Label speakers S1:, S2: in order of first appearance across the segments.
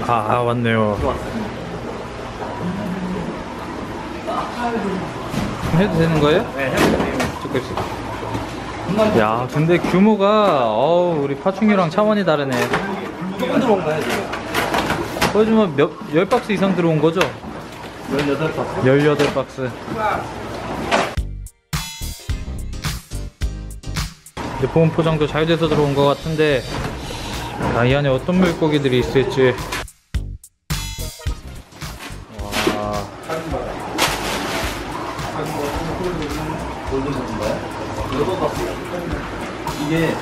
S1: 아, 왔네요. 해도 되는 거예요?
S2: 네, 해도 돼요.
S1: 조금씩. 야, 근데 규모가 우리 파충류랑 차원이 다르네.
S2: 조금 들어온가요, 지금?
S1: 거의 좀 10박스 이상 들어온 거죠?
S2: 18박스.
S1: 18박스. 이제 보온 포장도 잘 돼서 들어온 것 같은데, 이 안에 어떤 물고기들이 있을지. 와.
S2: 이게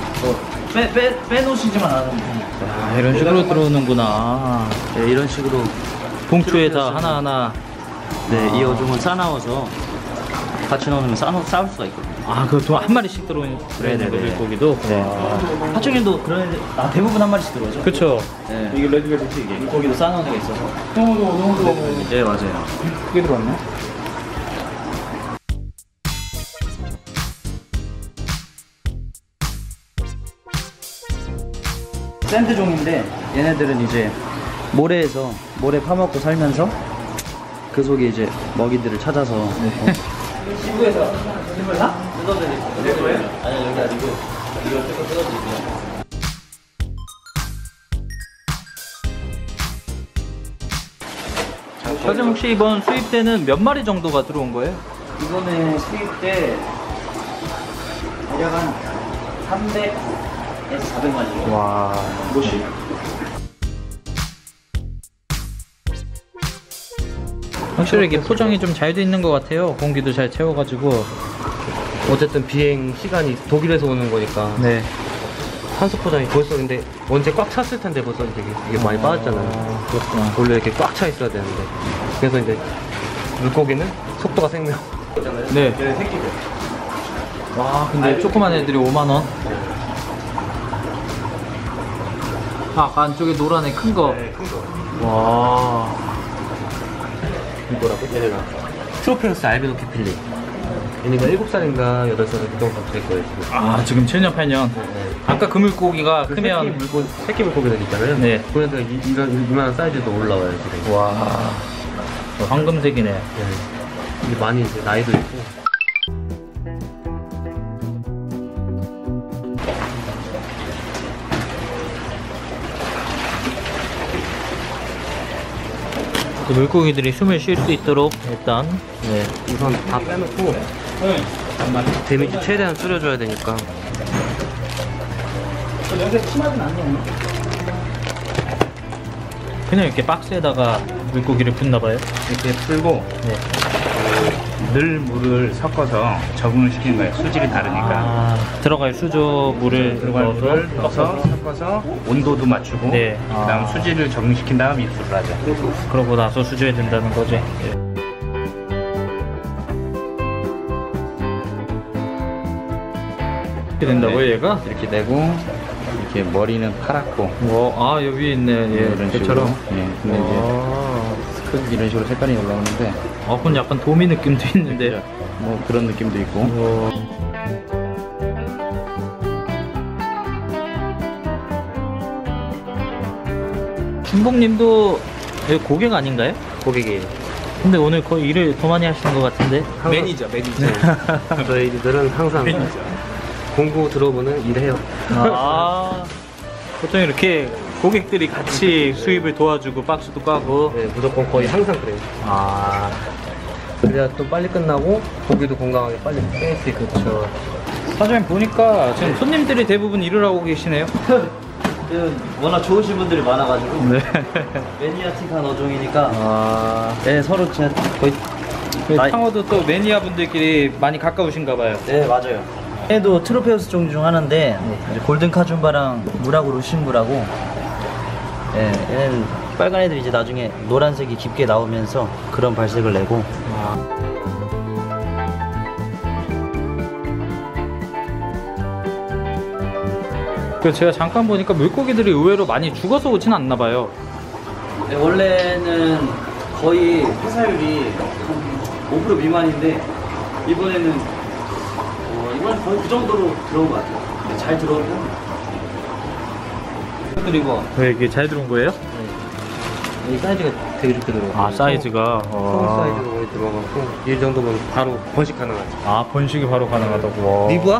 S2: 빼놓으시지만 않으면
S1: 야, 이런 식으로 들어오는구나.
S2: 네, 이런 식으로
S1: 봉투에다 하나하나.
S2: 네, 이 어종은 싸나워서 같이 넣으면 싸울 수가 있거든요.
S1: 아, 그것도 한 마리씩 들어오는
S2: 네네네.
S1: 물고기도?
S2: 네. 파충류도 그런 애들 대부분 한 마리씩 들어오죠.
S1: 그쵸.
S2: 네.
S3: 이게 레드벨벳이 이게
S2: 물고기도 싸놓은 애가 있어서. 네, 맞아요.
S3: 크게 들어왔네.
S2: 샌드종인데 얘네들은 이제 모래에서 모래 파먹고 살면서 그 속에 이제 먹이들을 찾아서. 시부에서 힘을 다 뜯어드리고. 내 거예요? 아니, 여기 아니고 이걸 뜯어드리고요.
S1: 사장님, 혹시 이번 수입 때는 몇 마리 정도가 들어온 거예요?
S2: 이번에 수입 때 대략 한 300에서 400마리.
S1: 와.
S3: 뭐시?
S1: 확실히 이게 포장이 좀 잘 돼 있는 것 같아요. 공기도 잘 채워가지고.
S4: 어쨌든 비행 시간이 독일에서 오는 거니까
S1: 네.
S4: 산소 포장이 벌써 근데 언제 꽉 찼을 텐데 벌써 이게 많이 빠졌잖아요.
S1: 그렇구나.
S4: 원래 이렇게 꽉 차 있어야 되는데 그래서 이제 물고기는 속도가 생명.
S1: 네. 와, 근데 조그만 애들이 5만원. 아까 안쪽에 노란 애 큰 거.
S4: 네, 큰 거.
S1: 와.
S4: 이거라고? 얘네가 트로페우스 알비노 키필리. 얘네가 7살인가 8살 정도 될 거예요 지금.
S1: 아, 지금 7년, 8년. 아까 그 물고기가 크면.
S4: 새끼 물고기들 있잖아요.
S1: 네.
S4: 그러니까 이만한 사이즈도 올라와요 지금.
S1: 와. 황금색이네.
S4: 네. 이게 많이 이제 나이도 있고.
S1: 그 물고기들이 숨을 쉴 수 있도록 일단. 네.
S4: 우선 다 빼놓고 데미지 최대한 줄여줘야 되니까.
S2: 여기가 심하진 않네요.
S1: 그냥 이렇게 박스에다가 물고기를 붓나봐요.
S3: 이렇게 풀고
S1: 네.
S3: 늘 물을 섞어서 적응을 시키는 거예요. 수질이 다르니까.
S1: 아, 들어갈 수조 물을
S3: 들어갈 물을 넣어서 섞어서 온도도 맞추고
S1: 네.
S3: 그다음 수질을 적응시킨 다음 입수를 하죠.
S1: 그러고 나서 수조에 든다는 거지. 이렇게 된다고요, 얘가?
S3: 이렇게 되고 이렇게 머리는 파랗고
S1: 아, 여기 위에 있네.
S3: 이런
S1: 얘처럼.
S3: 식으로. 예. 근데 이제 큰 이런 식으로 색깔이 올라오는데
S1: 그건 약간 도미 느낌도 있는데.
S3: 뭐 그런 느낌도 있고.
S1: 준봉님도 여기 고객 아닌가요?
S4: 고객이에요.
S1: 근데 오늘 거의 일을 더 많이 하시는 것 같은데.
S3: 매니저.
S4: 저희들은 항상 공구 들어오면은 일해요.
S1: 아, 보통 이렇게 고객들이 같이 수입을 도와주고 박스도 까고.
S4: 네, 무조건 거의 항상 그래요.
S1: 아,
S4: 그래야 또 빨리 끝나고 고기도 건강하게 빨리 뺄 수 있고.
S1: 그렇죠. 사장님 보니까 지금 손님들이 대부분 일을 하고 계시네요.
S2: 워낙 좋으신 분들이 많아가지고.
S1: 네.
S2: 매니아틱한 어종이니까.
S1: 아,
S2: 네, 서로 진짜 거의.
S1: 상어도 또 매니아 분들끼리 많이 가까우신가 봐요.
S2: 네, 맞아요. 얘도 트로페우스 종 중 하나인데 이제 골든 카준바랑 무라고 루신부라고. 네, 얘는 빨간 애들이 이제 나중에 노란색이 깊게 나오면서 그런 발색을 내고.
S1: 그 제가 잠깐 보니까 물고기들이 의외로 많이 죽어서 오진 않나 봐요.
S2: 네, 원래는 거의 폐사율이 한 5% 미만인데 이번에는 거의 그 정도로 들어온 것 같아요. 잘 들어온 편. 그리고
S1: 왜 이게 잘 들어온 거예요?
S4: 이 사이즈가 되게 좋게 들어가고.
S1: 아, 사이즈가.
S4: 성 사이즈가 많이 들어가고 이 정도면 바로 번식 가능하죠.
S1: 아, 번식이 바로 가능하다고.
S4: 리브아?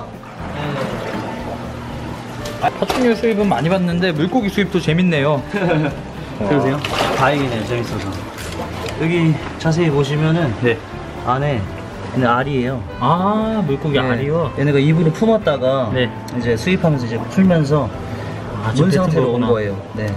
S1: 파충류 수입은 많이 봤는데 물고기 수입도 재밌네요.
S2: 그러세요? 다행이네요, 재밌어서. 여기 자세히 보시면은
S1: 네.
S2: 안에 얘네 알이에요.
S1: 아, 물고기
S2: 네.
S1: 알이요?
S2: 얘네가 이불을 품었다가
S1: 네.
S2: 이제 수입하면서 이제 풀면서
S1: 아,
S2: 문
S1: 뱉은
S2: 상태로 온
S1: 거구나.
S2: 거예요. 네.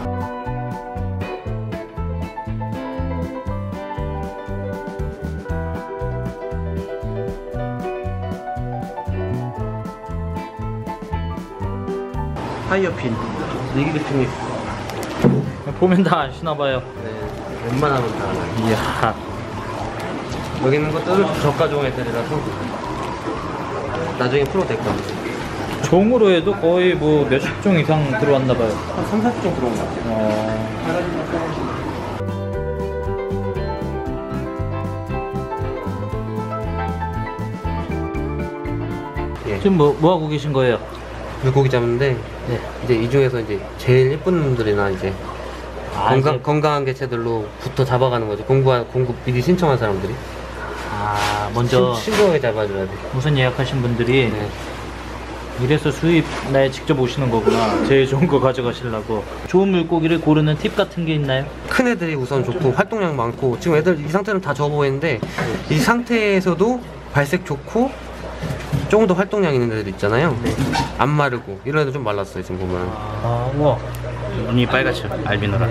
S4: 하이어핀. 얘기 대표님.
S1: 보면 다 아시나봐요.
S4: 네. 웬만하면 다 알아요.
S1: 이야.
S4: 여기 있는 것들은 저가종 애들이라서 나중에 풀어도 될 것 같아요.
S1: 종으로 해도 거의 뭐 몇십 종 이상 들어왔나봐요.
S4: 한 3, 40종 들어온 것 같아요.
S1: 지금 뭐 하고 계신 거예요?
S4: 물고기 잡는데
S1: 네.
S4: 이제 이 중에서 이제 제일 예쁜 놈들이나 이제
S1: 이제-
S4: 건강한 개체들로부터 잡아가는 거지. 공급 미리 신청한 사람들이
S1: 먼저
S4: 신중하게 잡아줘야 돼.
S1: 우선 예약하신 분들이
S4: 네.
S1: 이래서 수입 날 직접 오시는 거구나. 제일 좋은 거 가져가시려고. 좋은 물고기를 고르는 팁 같은 게 있나요?
S4: 큰 애들이 우선 좋고 활동량 많고 지금 애들 이 상태는 다 접어 보이는데 이 상태에서도 발색 좋고 조금 더 활동량 있는 애들 있잖아요. 안 마르고 이런 애들 좀 말랐어요 지금 보면.
S1: 아, 우와.
S3: 눈이 빨갛죠. 알비노라.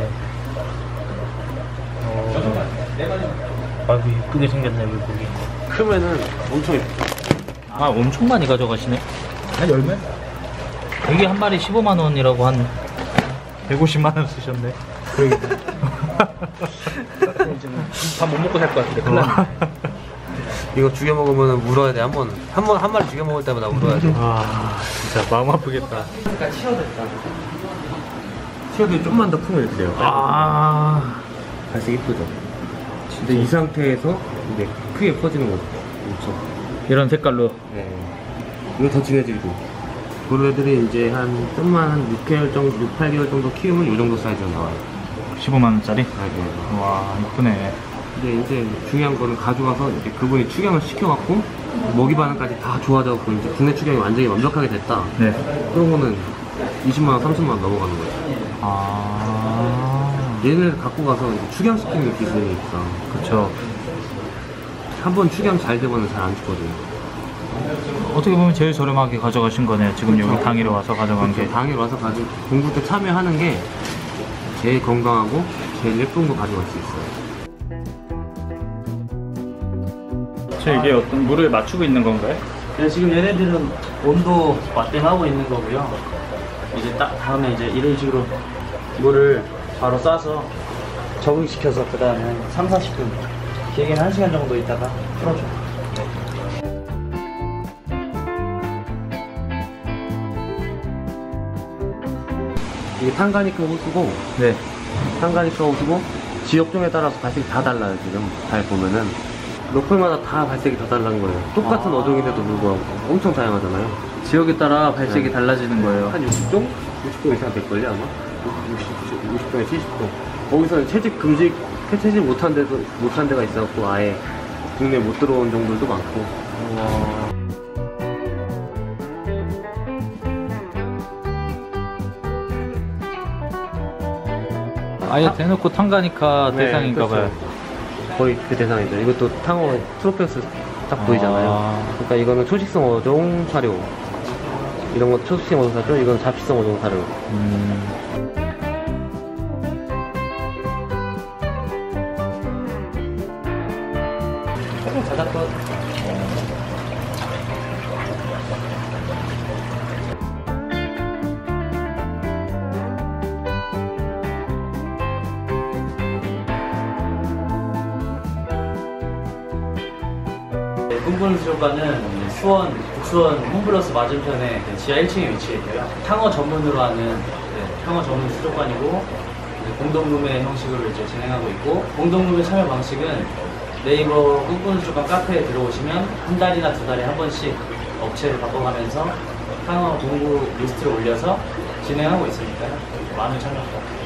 S1: 아이고, 이쁘게 생겼네, 물고기.
S4: 크면은 엄청
S1: 아, 엄청 많이 가져가시네. 한 열매? 이게 한 마리 15만 원이라고 한 150만 원 쓰셨네. 밥 못 먹고 살 것 같은데. 큰일 났네.
S4: 이거 죽여 먹으면 물어야 돼. 한 마리 죽여 먹을 때마다 물어야 돼.
S1: 아, 진짜 마음 아프겠다.
S4: 치어도 좀만 더 품을 드려요.
S1: 아,
S4: 발색 이쁘죠. 근데 이 상태에서 이제 크게 퍼지는 거죠. 엄청.
S1: 이런 색깔로.
S4: 네. 이거 더 진해지고. 그런 애들이 이제 좀만 한 6개월 정도, 6, 8개월 정도 키우면 이 정도 사이즈가 나와요.
S1: 15만 원짜리?
S4: 네.
S1: 와, 이쁘네.
S4: 근데 이제 중요한 거는 가져가서 이제 그분이 축양을 시켜갖고 먹이 반응까지 다 좋아져갖고 이제 국내 축양이 완전히 완벽하게 됐다.
S1: 네.
S4: 그런 거는 20만 원, 30만 원 넘어가는 거예요.
S1: 아,
S4: 얘네를 갖고 가서 이제 축양시키는 기술이 있어.
S1: 그쵸.
S4: 한번 축양 잘 되면 잘 안 죽거든요.
S1: 어떻게 보면 제일 저렴하게 가져가신 거네요. 지금 여기 당일에 와서 가져간 게.
S4: 당일 와서 가지고 공부 때 참여하는 게 제일 건강하고 제일 예쁜 거 가져갈 수 있어요.
S1: 이게 어떤 물을 맞추고 있는 건가요?
S2: 네, 지금 얘네들은 온도 맞대하고 있는 거고요. 이제 다음에 이제 이런 식으로 물을 바로 쏴서 적응시켜서 그 다음에 3, 40분 길게는 1시간 정도 있다가 풀어줘.
S4: 이게 탄가니카 호수고
S1: 네.
S4: 탄가니카 호수고 지역종에 따라서 발색이 다 달라요. 지금 잘 보면은 로컬마다 다 발색이 다 다른 거예요. 똑같은 어종인데도 불구하고 엄청 다양하잖아요.
S1: 지역에 따라 발색이
S4: 네.
S1: 달라지는 거예요.
S4: 한 60종? 60종 이상 될걸요 아마? 60종에 70종. 거기서는 채집 못한 데가 있어갖고 아예 국내에 못 들어온 종들도 많고.
S1: 아예 대놓고 탄가니카
S4: 네,
S1: 대상인가봐요.
S4: 그렇죠. 거의 그 대상이죠. 이것도 탕어 트로페우스 딱 보이잖아요.
S1: 아.
S4: 그러니까 이거는 초식성 어종 사료. 이런 거 초식성 어종 사료, 이건 잡식성 어종 사료. 조금 자작도
S2: 꿈꾸는수족관은 수원, 북수원 홈플러스 맞은편에 지하 1층에 위치해 있고요. 탕어 전문으로 하는 탕어 전문 수족관이고 공동구매 형식으로 이제 진행하고 있고, 공동구매 참여 방식은 네이버 꿈꾸는수족관 카페에 들어오시면 한 달이나 두 달에 한 번씩 업체를 바꿔가면서 탕어 공구 리스트를 올려서 진행하고 있으니까요. 많은 참여 부탁드립니다.